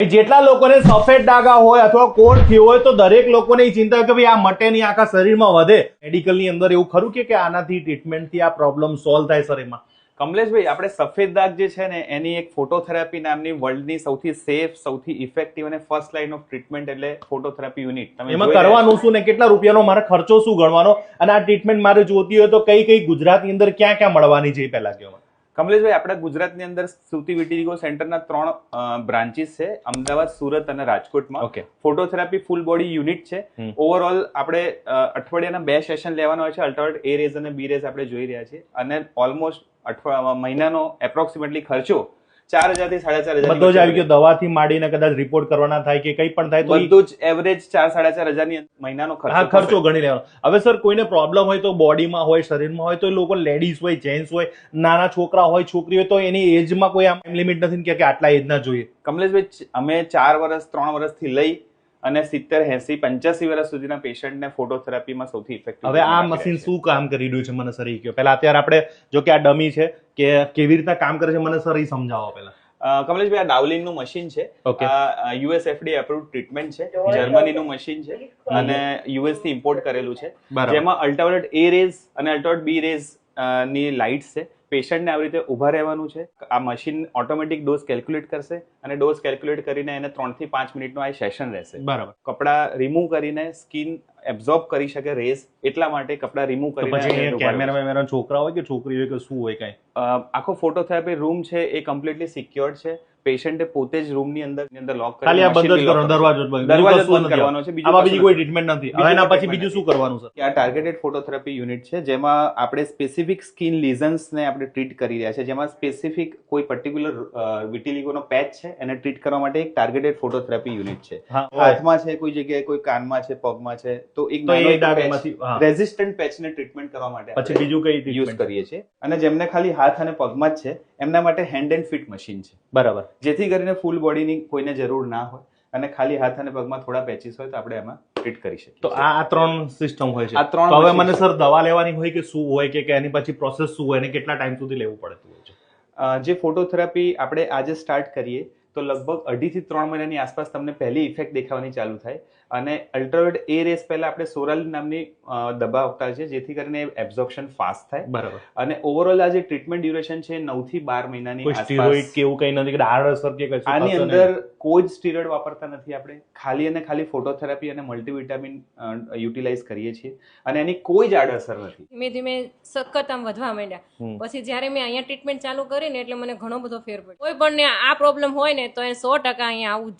જેટલા લોકોને સફેદ ડાઘા હોય અથવા કોટ થયો હોય તો દરેક લોકોને એ ચિંતા હોય કે ભાઈ આ મટે નહીં, આખા શરીરમાં વધે. મેડિકલની અંદર એવું ખરું કે આનાથી ટ્રીટમેન્ટથી આ પ્રોબ્લેમ સોલ્વ થાય શરીરમાં? કમલેશભાઈ, આપણે સફેદ દાગ જે છે ને એની એક ફોટોથેરાપી નામની વર્લ્ડની સૌથી સેફ, સૌથી ઇફેક્ટિવ અને ફર્સ્ટ લાઇન ઓફ ટ્રીટમેન્ટ એટલે ફોટોથેરાપી યુનિટ. એમાં કરવાનું શું ને કેટલા રૂપિયાનો મારે ખર્ચો શું ગણવાનો, અને આ ટ્રીટમેન્ટ મારે જોતી હોય તો કઈ કઈ ગુજરાતની અંદર ક્યાં ક્યાં મળવાની છે પહેલા કહો. કમલેશભાઈ, આપણા ગુજરાતની અંદર સુતી વિટીગો સેન્ટરના 3 બ્રાન્ચીસ છે, અમદાવાદ, સુરત અને રાજકોટમાં. Okay. Phototherapy full body unit છે. ઓવરઓલ આપણે અઠવાડિયાના 2 સેશન લેવાના હોય છે. અલ્ટરનેટ એ રેઝ અને બી રેઝ આપણે જોઈ રહ્યા છીએ, અને ઓલમોસ્ટ મહિનાનો એપ્રોક્સિમેટલી ખર્ચો 4,000 થી 4,500 બધો જ આવી ગયો. દવાથી માંડીને કદાચ રિપોર્ટ કરવાના થાય કે કંઈ પણ થાય તો બધું જ એવરેજ 4,000-4,500 ની મહિનાનો ખર્ચો ગણી લેવાનો. હવે સર, કોઈને પ્રોબ્લેમ હોય તો બોડીમાં હોય, શરીરમાં હોય, તો એ લોકો લેડીઝ હોય, જેન્ટ્સ હોય, નાના છોકરા હોય, છોકરી હોય, તો એની એજમાં કોઈ આમ લિમિટ નથી કે આટલા એજના જોઈએ? કમલેશભાઈ, અમે 4 વર્ષ 3 વર્ષથી લઈ અને 70, 80, 85 વર્ષ સુધીના પેશન્ટને ફોટોથેરાપીમાં સૌથી ઇફેક્ટિવ. હવે આ મશીન શું કામ કરી રહ્યું છે મને સર એ કહો પહેલા. અત્યારે આપણે જો કે આ ડમી છે કે કેવી રીતના કામ કરે છે મને સર એ સમજાવો પહેલા. કમલેશભાઈ, આ ડાવલિનનું મશીન છે. આ યુએસએફડી એપ્રુવ્ડ ટ્રીટમેન્ટ છે. જર્મનીનું મશીન છે અને યુએસ થી ઇમ્પોર્ટ કરેલું છે. જેમાં અલ્ટ્રાવાયોલેટ એ રેઝ અને અલ્ટ્રાવાયોલેટ બી રેઝ ની લાઇટ્સ છે. પેશન્ટને આવી રીતે ઊભા રહેવાનું છે. આ મશીન ઓટોમેટિક ડોઝ કેલ્ક્યુલેટ કરશે અને ડોઝ કેલ્ક્યુલેટ કરીને એને 3 થી 5 મિનિટનો આ સેશન રહેશે. બરાબર. કપડા રિમૂવ કરીને સ્કિન એબ્ઝોર્બ કરી શકે રેઝ, એટલા માટે કપડા રિમૂવ કરીને. કેમેરા છોકરા હોય કે છોકરી હોય કે શું હોય કઈ? આખો ફોટોથેરાપી રૂમ છે એ કમ્પ્લીટલી સિક્યોર્ડ છે. પેશન્ટે પોતે જ રૂમની અંદર લોક કરી ખાલી આ બંધ જ કરવાનો, દરવાજો બંધ કરવાનો છે. આમાં બીજી કોઈ ટ્રીટમેન્ટ નથી. હવે એના પછી બીજું શું કરવાનું સર? આ ટાર્ગેટેડ ફોટોથેરાપી યુનિટ છે, જેમાં આપણે સ્પેસિફિક સ્કિન લીઝન્સને આપણે ટ્રીટ કરી રહ્યા છે. જેમાં સ્પેસિફિક કોઈ પર્ટિક્યુલર વિટિલિગોનો પેચ છે એને ટ્રીટ કરવા માટે એક ટાર્ગેટેડ ફોટોથેરાપી યુનિટ છે. હાથમાં છે, કોઈ જગ્યાએ કોઈ કાનમાં છે, પગમાં છે, તો એક રેઝિસ્ટન્ટ પેચને ટ્રીટમેન્ટ કરવા માટે પછી બીજું કઈ યુઝ કરીએ છીએ. અને જેમને ખાલી હાથ અને પગમાં જ છે એમના માટે હેન્ડ એન્ડ ફીટ મશીન છે. બરાબર. જેથી કરીને ફૂલ બોડીની કોઈને જરૂર ના હોય અને ખાલી હાથ અને પગમાં થોડા પેચીસ હોય તો આપણે એમાં ટ્રીટ કરી શકીએ. તો આ 3 સિસ્ટમ હોય છે. આ 3 હવે મને સર દવા લેવાની હોય કે શું હોય કે એની પછી પ્રોસેસ શું હોય અને કેટલા ટાઈમ સુધી લેવું પડતું હોય છે? જે ફોટોથેરાપી આપણે આજે સ્ટાર્ટ કરીએ તો લગભગ 2.5 થી 3 મહિનાની આસપાસ તમને પહેલી ઇફેક્ટ દેખાવાની ચાલુ થાય. અને અલ્ટ્રાવાયોલેટ એ રેસ પહેલા આપણે સોરાલ નામની દવા આપતા છે, જેથી કરીને એબ્ઝોર્પ્શન ફાસ્ટ થાય. બરાબર. અને ઓવરઓલ આ જે ટ્રીટમેન્ટ ડ્યુરેશન છે 9 થી 12 મહિનાની આસપાસ. સ્ટીરોઇડ કે એવું કંઈ નથી કે આડઅસર કે કશું? આની અંદર કોઈ જ સ્ટીરોઇડ વાપરતા નથી આપણે. ખાલી અને ખાલી ફોટોથેરાપી અને મલ્ટીવિટામિન યુટિલાઇઝ કરીએ છીએ અને એની કોઈ જ આડઅસર નથી. ધીમે ધીમે સખત આમ વધવા માંડ્યા. પછી જ્યારે મેં અહીંયા ટ્રીટમેન્ટ ચાલુ કરીને એટલે મને ઘણો બધો ફેર પડ્યો. કોઈ પણ આ પ્રોબ્લેમ હોય ને તો એ 100% અહીંયા આવું